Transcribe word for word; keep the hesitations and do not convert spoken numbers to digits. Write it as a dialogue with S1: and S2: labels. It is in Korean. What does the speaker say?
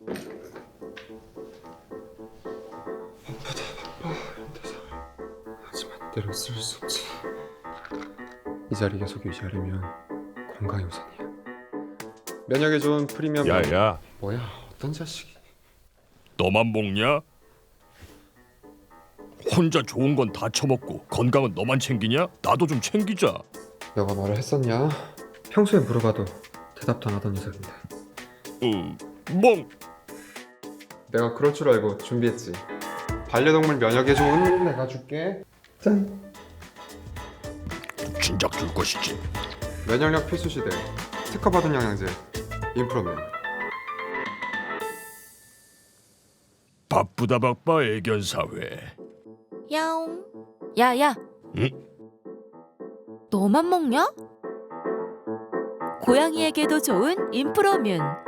S1: 하지만 때로 쓸 수 없지. 이 자리 계속 유지하려면 건강이 우선이야. 면역에 좋은 프리미엄.
S2: 야야,
S1: 뭐야? 어떤 자식이?
S2: 너만 먹냐? 혼자 좋은 건 다 처먹고 건강은 너만 챙기냐? 나도 좀 챙기자.
S1: 너가 말을 했었냐? 평소에 물어봐도 대답도 안 하던 녀석인데.
S2: 응, 멍.
S1: 내가 그럴 줄 알고 준비했지. 반려동물 면역에 좋은 내가 줄게. 짠.
S2: 진작 줄 것이지.
S1: 면역력 필수 시대 특허받은 영양제 인프로맨.
S2: 바쁘다 바빠 애견 사회.
S3: 야옹. 야야.
S2: 응?
S3: 너만 먹냐? 고양이에게도 좋은 인프로뮨.